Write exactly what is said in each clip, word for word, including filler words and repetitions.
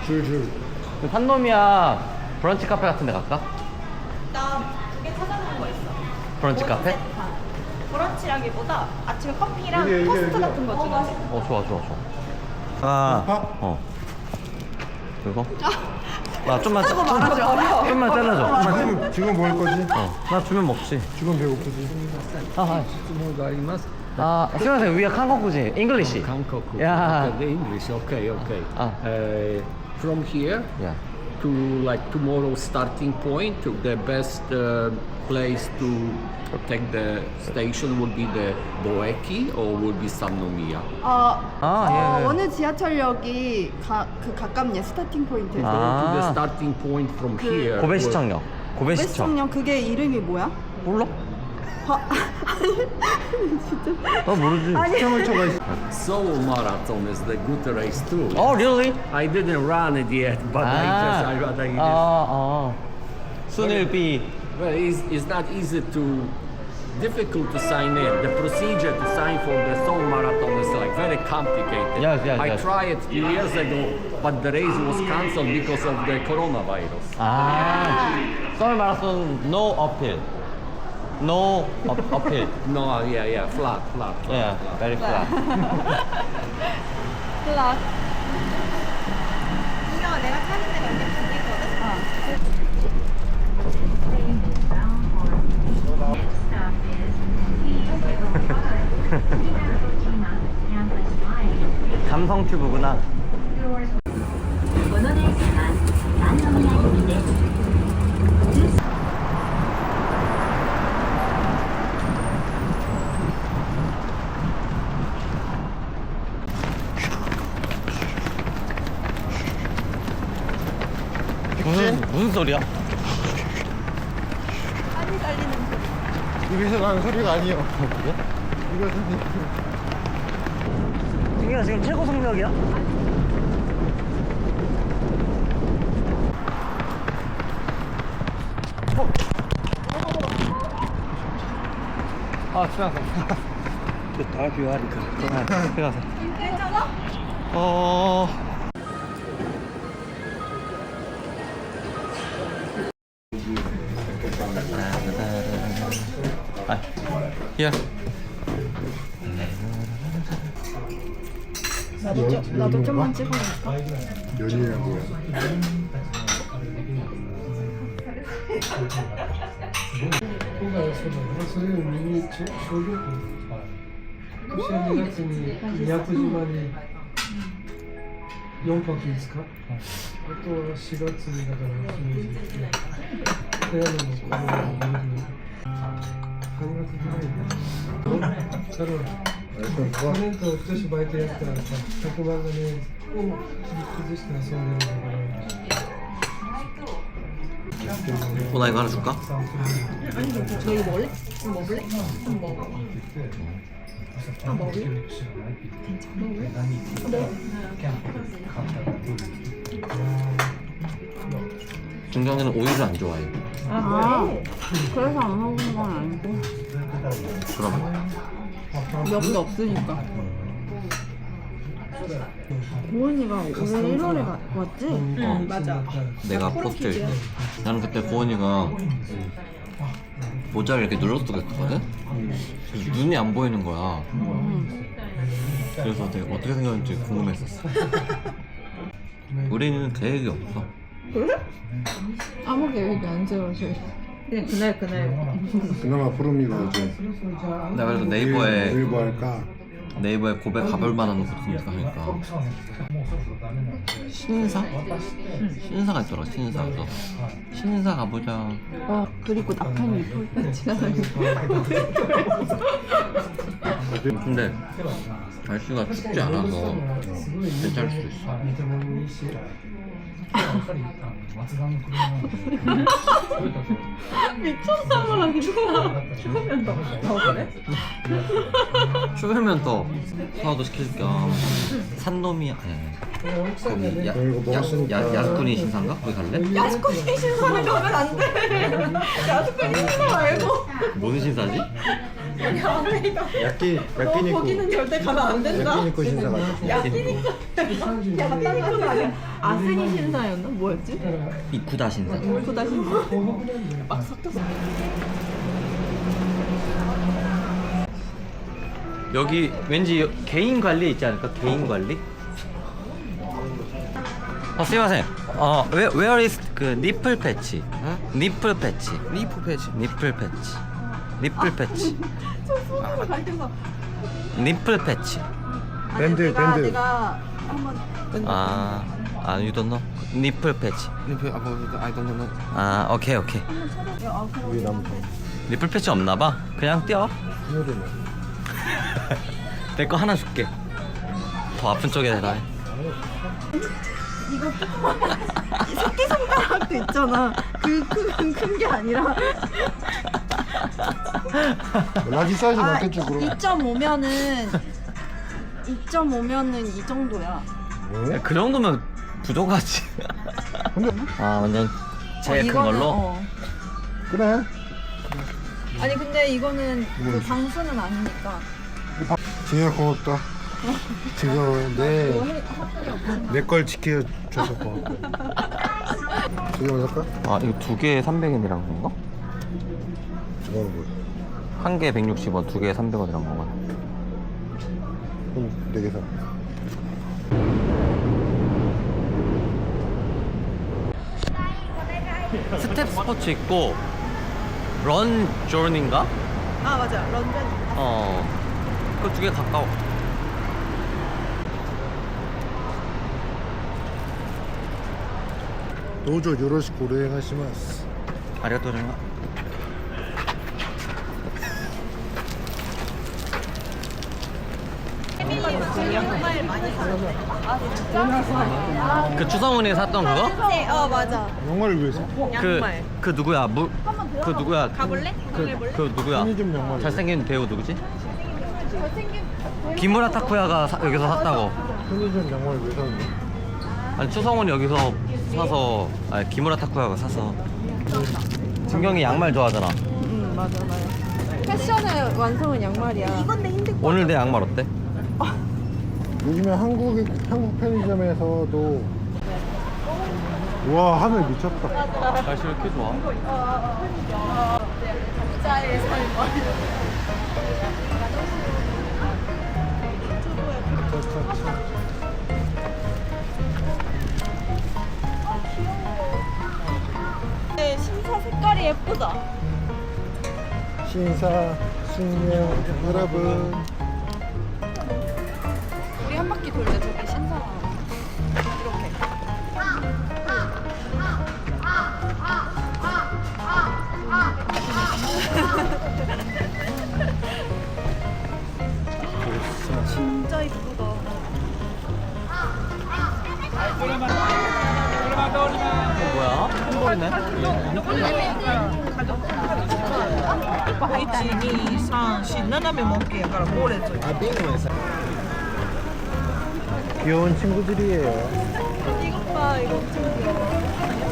줄줄. 산노미야 브런치 카페 같은 데 갈까? 나 두 개 찾아놓은 거 있어. 브런치 카페? 브런치라기보다 아침에 커피랑 이게, 이게, 토스트 이게. 같은 거 중에. 어 좋아 좋아 좋아. 아, 밥? 어. 그리고? 나 좀만 짜고 말하지 어려워. 좀만 잘라줘. 좀만. 지금, 지금 뭐 할 거지? 어, 나 주면 먹지. 지금 배고프지? 아, 아, 質問があります。 아, 수고하세요. We are 한국지, English. 韓国。 Yeah. The English. Okay, okay. Ah. Uh, from here Yeah. to like tomorrow starting point, the best uh, place to take the station would be the Boeki or would be Sannomiya. 어, 아, 어, 예, 예. 어느 지하철역이 가, 그 가깝냐 스타팅 포인트에서. 아. To the starting point from here. 고배시청역. 고배시청. 웨스트청 그게 이름이 뭐야? 몰라? 아, 나 모르지. 시청을 쳐가 있어. Seoul Marathon is the good race too. Oh, really? I didn't run it yet, but I just I, I, I 아, 아. Soon it'll be. Well, it's, it's not easy to, difficult to sign in. The procedure to sign for the Seoul Marathon is like very complicated. Yes, yes, I yes. tried a few years ago, but the race was cancelled because of the coronavirus. 아, 서울 마라톤 no uphill. No up, uphill. No, yeah, yeah, flat, flat. flat. Yeah, very flat. 클락. 분명 내가 찾은 데가 이렇게 두 개거든. 감성 튜브구나. 무슨 무슨 소리야? 빨리 달리는 입에서 나는 소리가 아니에요. 그래? 이거 소리. 이게 지금 최고 속력이야? 어? 아, 지나갔어. 다 비하니까. 지나갔어. 괜찮아? 어. 아, here. 나도 좀 나도 좀만 찍어볼까? 연이야 뭐야? 今回はそうだね、それを見にちょ小旅行、今年はにがつに宮古島によんぱくいつか、あとはしがつにだから姫路行って、富山のこの夜、はちがつぐらいに、だから去年と今年バイトやったらさ、ひゃくまんがね、を切り崩して遊んでるんだから。 어, 나 이거 하나 줄까? 너 이거 먹을래? 이거 먹을래? 한번 먹어. 아 먹을래? 중경이는 오이를 안 좋아해. 아 그래서 안 먹는 건 아니고 그러면 몇도 없으니까. 고은이가 올해 일월에 왔지? 응, 맞아. 내가 포스트일 때 나는 그때 고은이가 모자를 이렇게 눌러서 했거든? 그래서 눈이 안 보이는 거야. 그래서 내가 어떻게 생겼는지 궁금했었어. 우리는 계획이 없어. 아무 계획이 안 세워져. 그냥 그날 그날. 그나마 푸르미가 이제 내가 그래서 네이버에 네이버 할까? 네이버에 고백 가볼 만한 곳 검색하니까 신사? 신사가 있더라. 신사. 그래서 신사 가보자. 어 그리고 낙하니 폴 지나다니고. 근데 날씨가 춥지 않아서 괜찮을 수도 있어. 미쳤나봐 진짜. 추우면 더. 더 그래? 추우면 더 사와도 시킬 겸 산노미 아니 거기 야, 이거 야, 먹었으니까. 야, 야스쿠니 신사인가? 거기 갈래? 야스쿠니 신사는 가면 안 돼. 야스쿠니 신사 말고. 뭔 신사지? 우리 아메리카. 야끼 너 야끼니쿠. 거기는 절대 가면 안 된다. 야끼니쿠 신사 같아. 야끼니쿠. 야끼니쿠는 아니야. 아스니 신사였나? 뭐였지? 이쿠다 신사. 이쿠다 신사. 막 섞였어. 여기 왠지 개인 관리 있지 않을까? 개인 관리? 어, 스미마셍. 어, where, where is 그 니플 패치? 니플 패치. 니플 패치. 니플 패치. 니플 패치. 저 손으로 가르쳐서. 니플 패치. 밴드 내가, 밴드. 내가 한번 아, 아, you don't know? 니플 패치. 아, 오케이, 오케이. 위에 나무. 니플 패치 없나 봐. 그냥 뛰어. 신호대네. 내 거 하나 줄게. 더 아픈 쪽에 대라. 이거 이 새끼 손가락도 있잖아. 그큰큰 게 아니라. 라지 사이즈 아, 어때 쪽으로? 이 점 오면은 이 점 오면은 이 정도야. 어? 그 정도면 부족하지. 근데 아, 완전 제일 큰 이거는, 걸로? 어. 그래. 아니 근데 이거는 그 방수는 아니니까. 진짜 고맙다. 지금 내내 걸 지켜줘서 고맙고. 두개 먼저 할까? 아, 이거 두 개에 삼백 엔이란 건가? 저거는 뭐? 한 개에 백육십 원, 두 개에 삼백 원이란 건가? 그럼 네개 사. 스텝 스포츠 있고 런 조니인가? 아 맞아 런전. 어, 그 두 개 가까워. 도저 요로시코 오네가시마스. 아리가토르마. 양말 많이 사는데. 아 진짜? 그 추성훈이 샀던 그거? 네, 어 맞아. 영화를 위해서. 그, 양말. 그 누구야? 무, 그 누구야? 가볼래? 그, 가볼래? 그 누구야? 편의점 양말. 잘생긴 배우 누구지? 잘생긴. 기무라 타쿠야가 사- 여기서 샀다고. 편의점 양말 왜 사는데? 아니 추성훈이 여기서 사서, 아니 기무라 타쿠야가 사서. 진경이 양말 좋아하잖아. 응 맞아 맞아. 패션의 완성은 양말이야. 이건 내 힘들. 오늘 내 양말 어때? 요즘에 한국 한국 편의점에서도 와 하늘 미쳤다. 날씨 왜 이렇게 좋아? 부자의 삶. 네, 신사 색깔이 예쁘다. 신사 숙녀 여러분. 우리 한 바퀴 돌자 저기 신사. 이렇게. 진짜 이쁘다. 뭐야? 햄버리네? いち、に、さん、よん、斜めも OK やからゴーレット 귀여운 친구들이에요. 이것 봐, 이거 엄청 귀여워.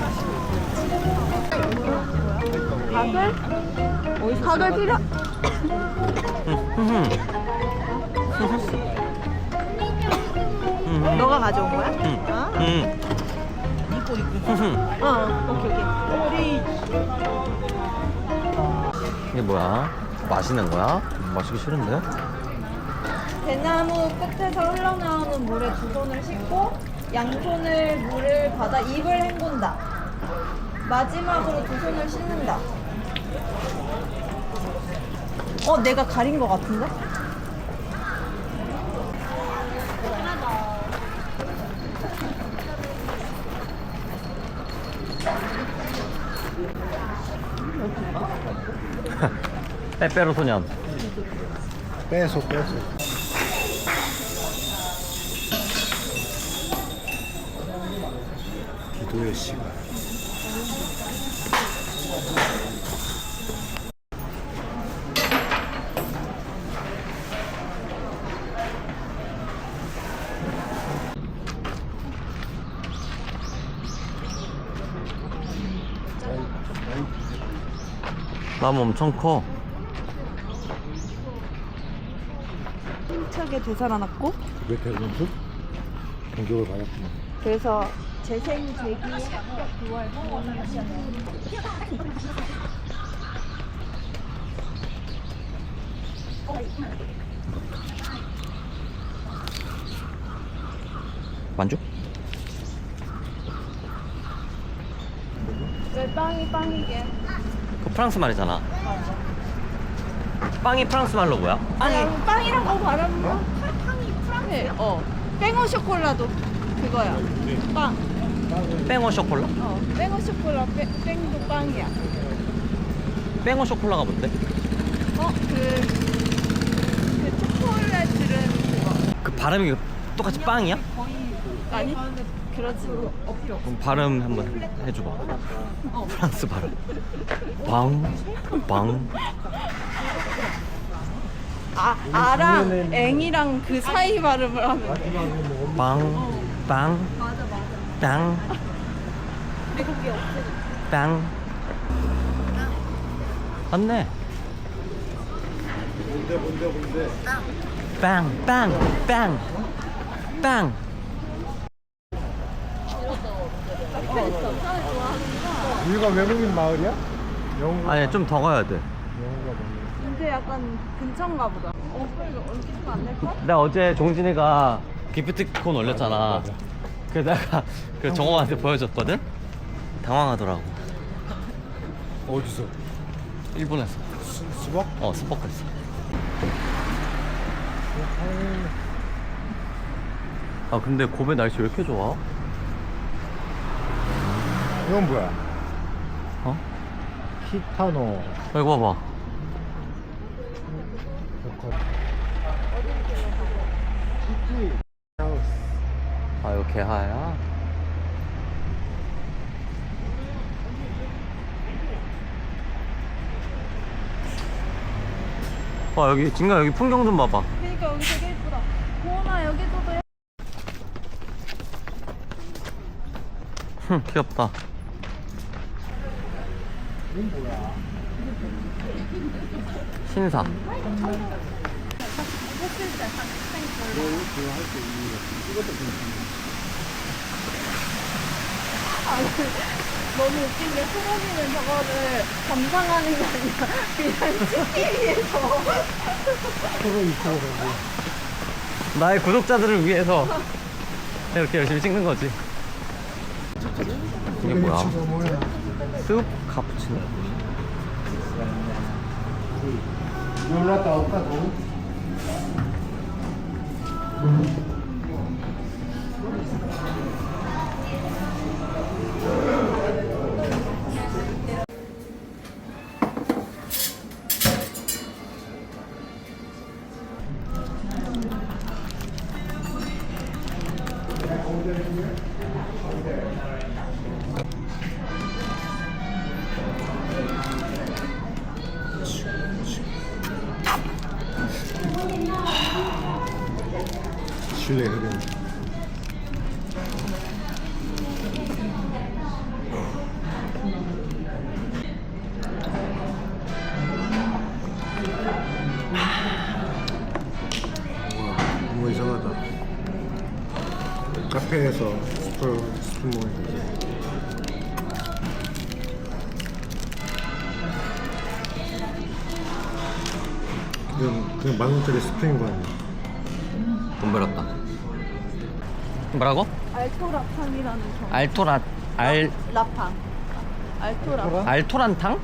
가글? 가글 필요? 너가 가져온 거야? 아? 응. 어, 오케이, 오케이. 이게 뭐야? 마시는 거야? 마시기 싫은데? 대나무 끝에서 흘러나오는 물에 두 손을 씻고 양손을 물을 받아 입을 헹군다. 마지막으로 두 손을 씻는다. 어, 내가 가린 것 같은데? 빼빼로 소년. 빼서 빼서. 기도의 시간. 나무 엄청 커. 신나게 되살아났고 왜 대전수? 공격을 받았구나. 그래서 재생 재기 합격 구월 구원하시네요. 만족? 왜 빵이 빵이게? 그 프랑스 말이잖아. 빵이 프랑스 말로 뭐야? 아니 빵이라고 말하는 거? 빵이 프랑스. 어. 뺑오 쇼콜라도 그거야. 빵. 뺑오 쇼콜라? 어. 뺑오 쇼콜라 뺑, 뺑도 빵이야. 뺑오 쇼콜라가 뭔데? 어? 그, 그 초콜릿 들은 그거. 그 발음이 똑같이 빵이야? 아니? 그렇지. 그럼 발음 한번 해줘봐. 프랑스 발음. 빵, 빵. 아, 아랑 앵이랑 그 사이 발음을 하면 돼. 빵, 빵, 맞아, 맞아. 빵, 그게 없어. 빵. 맞네. 뭔데 뭔데 뭔데? 빵, 빵, 빵, 빵. 여기가 외국인 마을이야? 영어가 아니 좀 더 가야 돼. 영어가 뭐냐? 근데 약간 근처인가 보다. 어, 그러니까 얼핏 안 될까? 나 어제 종진이가 기프티콘 올렸잖아. 그래서 내가 그 정호한테 보여줬거든? 당황하더라고. 어디서? 일본에서. 수, 수박? 어, 스포크했어. 아, 근데 고베 날씨 왜 이렇게 좋아? 이건 뭐야? 어? 히타노. 아, 이거 봐봐. 시티 하우스. 아, 이거 개하야? 와, 여기, 진가 여기 풍경 좀 봐봐. 그러니까 여기 되게 예쁘다. 고은아 여기도 돼. 흠, 귀엽다. 신사. 너무 웃긴 게 소범이는 저거를 감상하는 게 아니라 그냥 찍기 위해서. 서로 있고 가고. 나의 구독자들을 위해서 이렇게 열심히 찍는 거지. 이게 뭐야? 이거 뭐야? 숲 카푸치노. 놀랐다 올까 너? 실내 흡연. 뭔가 이상하다. 카페에서 스프 스푼 먹는 거지. 그냥 그냥 만 원짜리 스프인 거 아니야? 돈 벌었다. 뭐라고? 알토라팡이라는 정. 알토라 알 라팡. 알토라. 알토란탕?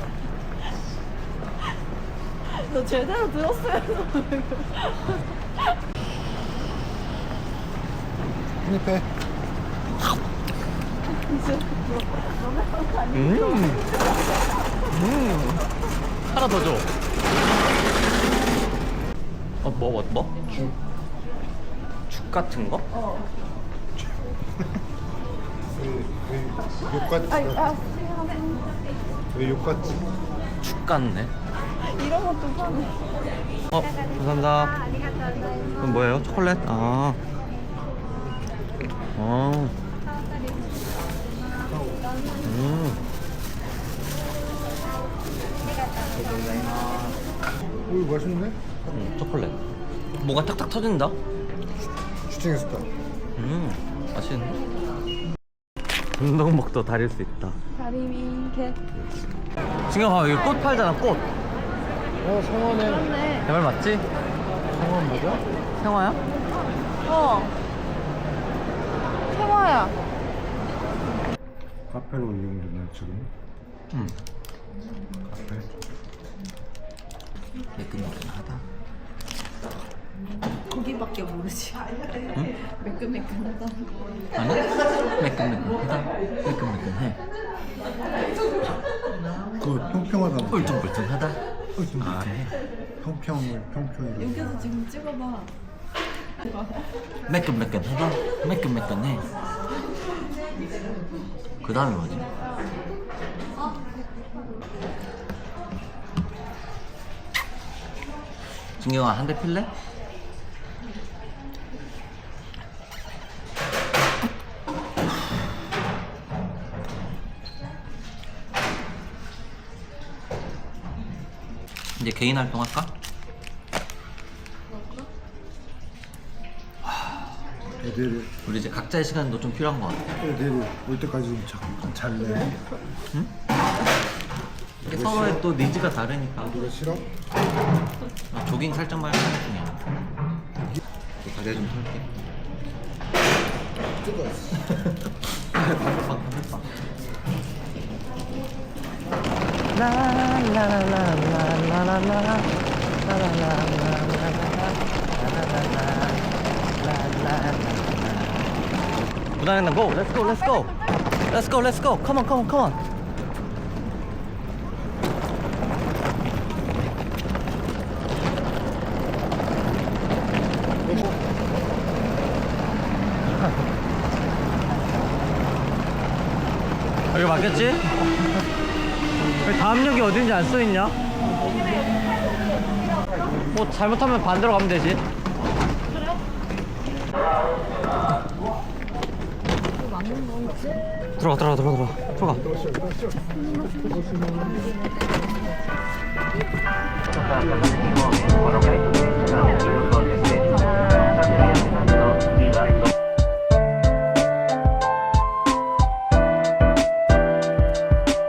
너 제대로 들었어요. 한입 해. 음. 음. 하나 더 줘. 어, 뭐, 뭐, 뭐? 죽. 죽 같은 거? 어. 왜 욕같지? 아이, 아, 왜 욕같지? 죽 같네. 이런 것도 파네. 어, 감사합니다. 그럼 뭐예요? 초콜릿? 아. 어. 음. 오, 맛있네? 음, 초콜릿. 뭐가 탁탁 터진다. 슈팅했을 때. 음, 맛있는데? 운동복도 다릴 수 있다. 다리미 개. 지금 봐, 여기 꽃 팔잖아, 꽃. 어, 성원에 그렇네. 내 말 맞지? 성원 뭐죠? 생화야? 어. 생화야. 카페로 이용되나 지금? 응. 카페. 매끈매끈하다. 거기밖에 모르지. 응? 매끈매끈하다. 아니? 매끈매끈하다. 매끈매끈해. 그 평평하다. 울퉁불퉁하다. 아, 네. 평평을 평평으로. 여기서 지금 찍어봐. 매끈매끈하다. 매끈매끈해. 그 다음에 뭐지? 진경아, 한 대 필래? 이제 개인 활동할까? 애들이 우리 이제 각자의 시간도 좀 필요한 것 같아. 애들이 올 때까지 좀 잠깐 잘래. 이게 서로의 또 니즈가 다르니까. 누가 싫어? 아, 조깅 살짝만 하는 중이야. 다리 좀 털게. 무당했나? Go! Let's go! Let's go! Let's go! Let's go! Come on! Come on! Come on! 여기 맞겠지? 여기 다음역이 어딘지 안 써있냐? 뭐 잘못하면 반대로 가면 되지. 들어가 들어가 들어가 들어가 들어가.